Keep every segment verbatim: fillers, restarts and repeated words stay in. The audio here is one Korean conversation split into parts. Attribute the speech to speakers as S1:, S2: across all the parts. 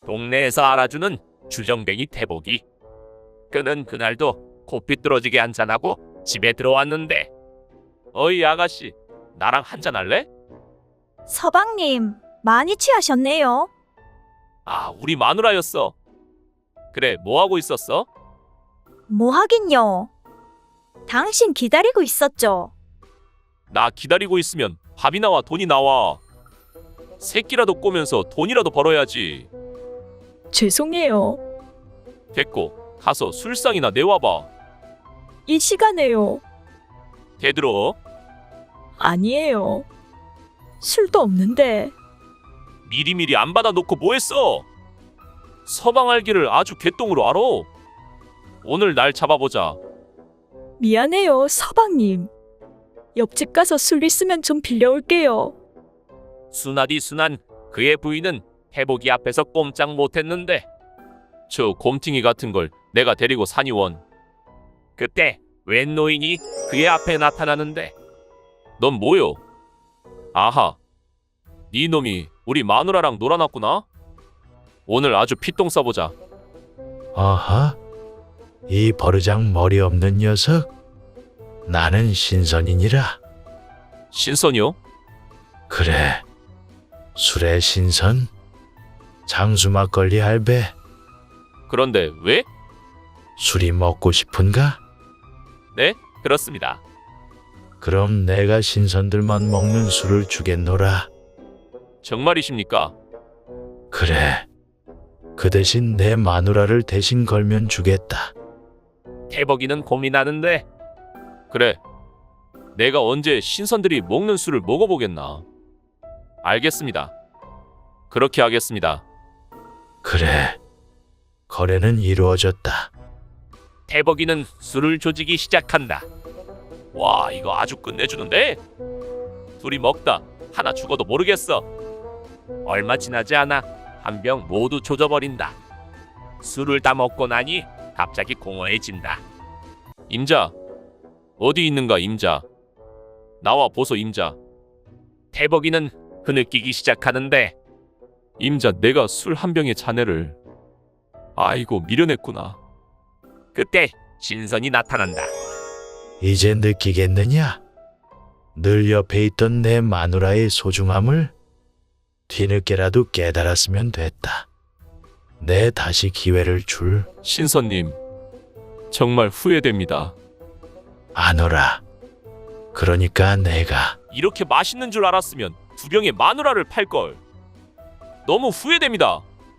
S1: 동네에서 알아주는 주정뱅이 태복이. 그는 그날도 콧비뚤어지게 한잔하고 집에 들어왔는데, 어이 아가씨, 나랑 한잔 할래?
S2: 서방님, 많이 취하셨네요.
S1: 아, 우리 마누라였어. 그래, 뭐 하고 있었어?
S2: 뭐 하긴요. 당신 기다리고 있었죠.
S1: 나 기다리고 있으면 밥이 나와 돈이 나와. 새끼라도 꼬면서 돈이라도 벌어야지.
S2: 죄송해요.
S1: 됐고, 가서 술상이나 내와봐.
S2: 이 시간에요.
S1: 대들어.
S2: 아니에요. 술도 없는데.
S1: 미리미리 안 받아놓고 뭐했어? 서방 알기를 아주 개똥으로 알아. 오늘 날 잡아보자.
S2: 미안해요, 서방님. 옆집 가서 술 있으면 좀 빌려올게요.
S1: 순하디 순한 그의 부인은 태복이 앞에서 꼼짝 못했는데, 저 곰팅이 같은 걸 내가 데리고 사니원. 그때 웬 노인이 그의 앞에 나타나는데, 넌 뭐요? 아하, 네 놈이 우리 마누라랑 놀아놨구나. 오늘 아주 피똥 써보자.
S3: 어허, 이 버르장 머리 없는 녀석. 나는 신선이니라.
S1: 신선이요?
S3: 그래, 술의 신선. 장수 막걸리 할배.
S1: 그런데 왜?
S3: 술이 먹고 싶은가?
S1: 네, 그렇습니다.
S3: 그럼 내가 신선들만 먹는 술을 주겠노라.
S1: 정말이십니까?
S3: 그래, 그 대신 내 마누라를 대신 걸면 주겠다.
S1: 태복이는 고민하는데, 그래, 내가 언제 신선들이 먹는 술을 먹어보겠나. 알겠습니다. 그렇게 하겠습니다.
S3: 그래, 거래는 이루어졌다.
S1: 태복이는 술을 조지기 시작한다. 와, 이거 아주 끝내주는데? 둘이 먹다 하나 죽어도 모르겠어. 얼마 지나지 않아 한 병 모두 조져버린다. 술을 다 먹고 나니 갑자기 공허해진다. 임자, 어디 있는가 임자. 나와 보소 임자. 태복이는 흐느끼기 시작하는데, 임자, 내가 술 한 병의 자네를 아이고 미련했구나. 그때 신선이 나타난다.
S3: 이제 느끼겠느냐? 늘 옆에 있던 내 마누라의 소중함을 뒤늦게라도 깨달았으면 됐다. 내 다시 기회를 줄.
S1: 신선님, 정말 후회됩니다.
S3: 아노라. 그러니까 내가
S1: 이렇게 맛있는 줄 알았으면 두 병의 마누라를 팔걸. 너무 후회됩니다.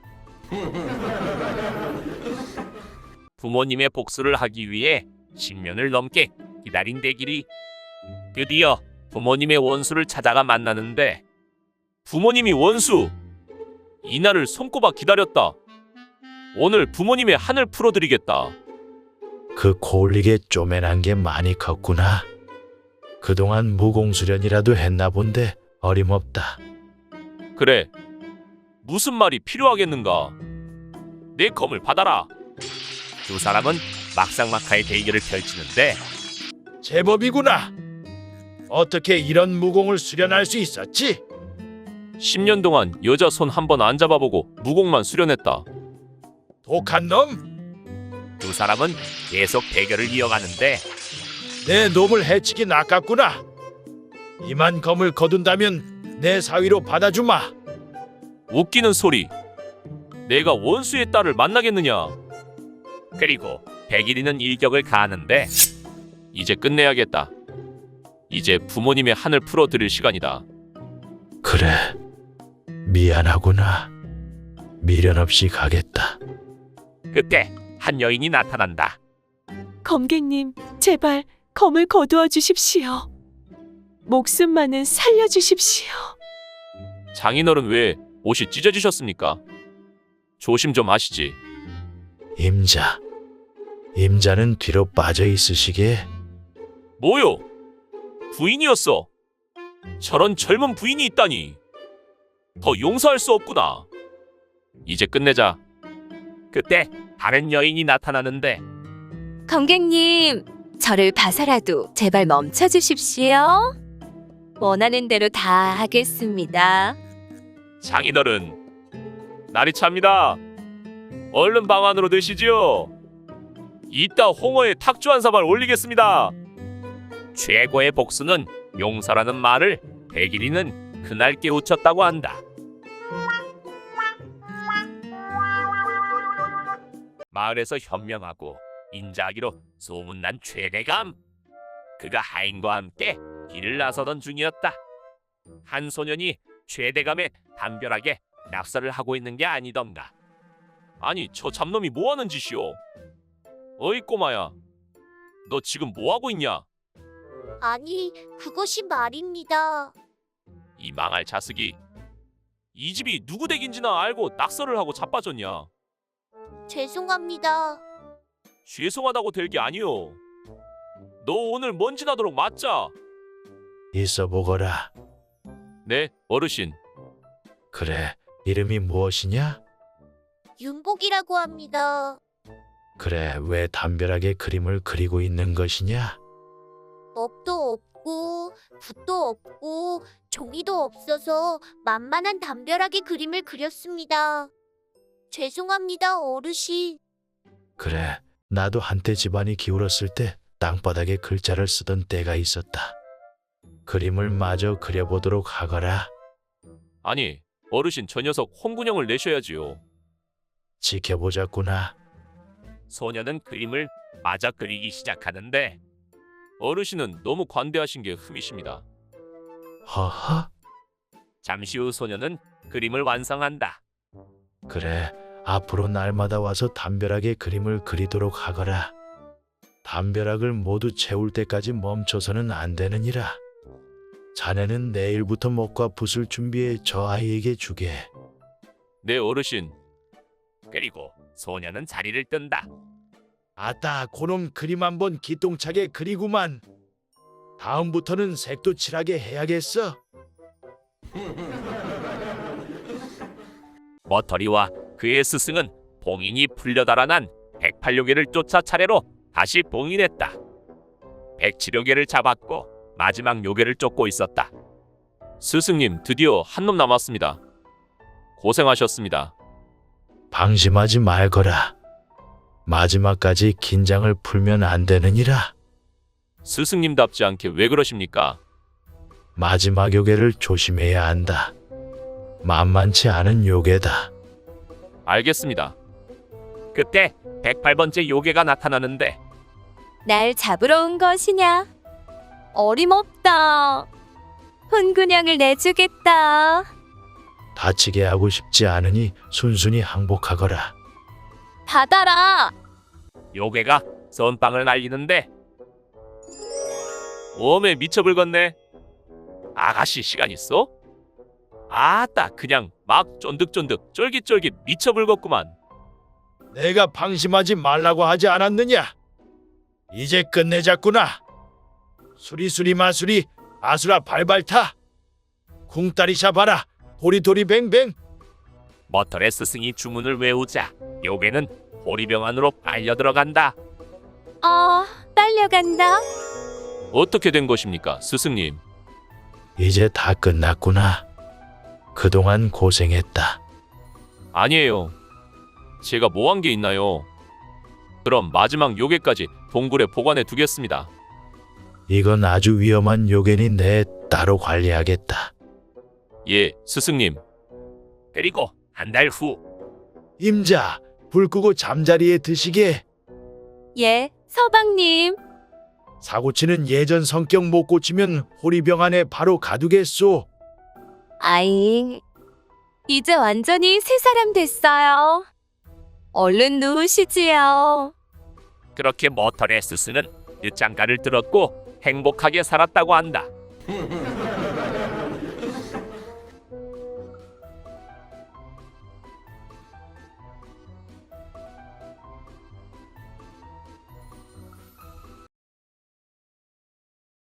S1: 부모님의 복수를 하기 위해 십 년을 넘게 기다린 대길이 드디어 부모님의 원수를 찾아가 만나는데, 부모님이 원수! 이날을 손꼽아 기다렸다. 오늘 부모님의 한을 풀어드리겠다.
S3: 그 코올리게 쪼맨한 게 많이 컸구나. 그동안 무공수련이라도 했나 본데 어림없다.
S1: 그래, 무슨 말이 필요하겠는가. 내 검을 받아라. 두 사람은 막상막하의 대결을 펼치는데,
S3: 제법이구나. 어떻게 이런 무공을 수련할 수 있었지?
S1: 십 년 동안 여자 손 한 번 안 잡아보고 무공만 수련했다.
S3: 독한 놈!
S1: 두 사람은 계속 대결을 이어가는데,
S3: 내 놈을 해치긴 아깝구나. 이만 검을 거둔다면 내 사위로 받아주마.
S1: 웃기는 소리. 내가 원수의 딸을 만나겠느냐. 그리고 백일이는 일격을 가하는데, 이제 끝내야겠다. 이제 부모님의 한을 풀어드릴 시간이다.
S3: 그래, 미안하구나. 미련 없이 가겠다.
S1: 그때 한 여인이 나타난다.
S4: 검객님, 제발 검을 거두어 주십시오. 목숨만은 살려주십시오.
S1: 장인어른 왜 옷이 찢어지셨습니까? 조심 좀 하시지.
S3: 임자, 임자는 뒤로 빠져 있으시게.
S1: 뭐요? 부인이었어. 저런 젊은 부인이 있다니. 더 용서할 수 없구나. 이제 끝내자. 그때 다른 여인이 나타나는데,
S5: 검객님, 저를 봐서라도 제발 멈춰 주십시오. 원하는 대로 다 하겠습니다.
S1: 장인어른, 날이 찹니다. 얼른 방 안으로 드시지요. 이따 홍어에 탁주 한 사발 올리겠습니다. 최고의 복수는 용서라는 말을 백일이는 그날 깨우쳤다고 한다. 마을에서 현명하고 인자하기로 소문난 최대감. 그가 하인과 함께 길을 나서던 중이었다. 한 소년이 최대감에 담벼락에 낙서를 하고 있는 게 아니던가. 아니, 저 잡놈이 뭐하는 짓이오? 어이 꼬마야, 너 지금 뭐하고 있냐?
S6: 아니, 그것이 말입니다.
S1: 이 망할 자식이, 이 집이 누구 댁인지나 알고 낙서를 하고 자빠졌냐?
S6: 죄송합니다.
S1: 죄송하다고 될 게 아니오. 너 오늘 먼지 나도록 맞자.
S3: 있어 보거라.
S1: 네, 어르신.
S3: 그래, 이름이 무엇이냐?
S6: 윤복이라고 합니다.
S3: 그래, 왜 담벼락에 그림을 그리고 있는 것이냐?
S6: 업도 없고 붓도 없고 종이도 없어서 만만한 담벼락에 그림을 그렸습니다. 죄송합니다, 어르신.
S3: 그래, 나도 한때 집안이 기울었을 때 땅바닥에 글자를 쓰던 때가 있었다. 그림을 마저 그려보도록 하거라.
S1: 아니, 어르신 저 녀석 홍군형을 내셔야지요.
S3: 지켜보자꾸나.
S1: 소녀는 그림을 마저 그리기 시작하는데 어르신은 너무 관대하신 게 흠이십니다.
S3: 허허?
S1: 잠시 후 소녀는 그림을 완성한다.
S3: 그래, 앞으로 날마다 와서 담벼락에 그림을 그리도록 하거라. 담벼락을 모두 채울 때까지 멈춰서는 안 되느니라. 자네는 내일부터 목과 붓을 준비해 저 아이에게 주게.
S1: 네, 어르신. 그리고 소녀는 자리를 뜬다.
S3: 아따, 고놈 그림 한번 기똥차게 그리구만. 다음부터는 색도 칠하게 해야겠어.
S1: 머터리와 그의 스승은 봉인이 풀려 달아난 백팔 료개를 쫓아 차례로 다시 봉인했다. 백칠 료개를 잡았고 마지막 요괴를 쫓고 있었다. 스승님, 드디어 한 놈 남았습니다. 고생하셨습니다.
S3: 방심하지 말거라. 마지막까지 긴장을 풀면 안 되느니라.
S1: 스승님답지 않게 왜 그러십니까?
S3: 마지막 요괴를 조심해야 한다. 만만치 않은 요괴다.
S1: 알겠습니다. 그때 백팔 번째 요괴가 나타나는데
S5: 날 잡으러 온 것이냐? 어림없다. 혼군형을 내주겠다.
S3: 다치게 하고 싶지 않으니 순순히 항복하거라.
S5: 받아라.
S1: 요괴가 선빵을 날리는데 웜에 미쳐불겄네. 아가씨 시간 있어? 아따, 그냥 막 쫀득쫀득 쫄깃쫄깃 미쳐불겄구만.
S3: 내가 방심하지 말라고 하지 않았느냐? 이제 끝내자꾸나. 수리수리 마수리 아수라 발발타. 궁따리샤 봐라. 도리도리 뱅뱅.
S1: 머털의 스승이 주문을 외우자 요괴는 호리병 안으로 빨려 들어간다.
S5: 아, 딸려간다.
S1: 어떻게 된 것입니까, 스승님?
S3: 이제 다 끝났구나. 그동안 고생했다.
S1: 아니에요. 제가 뭐 한 게 있나요? 그럼 마지막 요괴까지 동굴에 보관해 두겠습니다.
S3: 이건 아주 위험한 요괴니 내 따로 관리하겠다.
S1: 예, 스승님. 그리고 한 달 후
S3: 임자, 불 끄고 잠자리에 드시게.
S5: 예, 서방님.
S3: 사고치는 예전 성격 못 고치면 호리병 안에 바로 가두겠소.
S5: 아잉. 이제 완전히 새 사람 됐어요. 얼른 누우시지요.
S1: 그렇게 머털의 스승은 늦장가를 들었고 행복하게 살았다고 한다.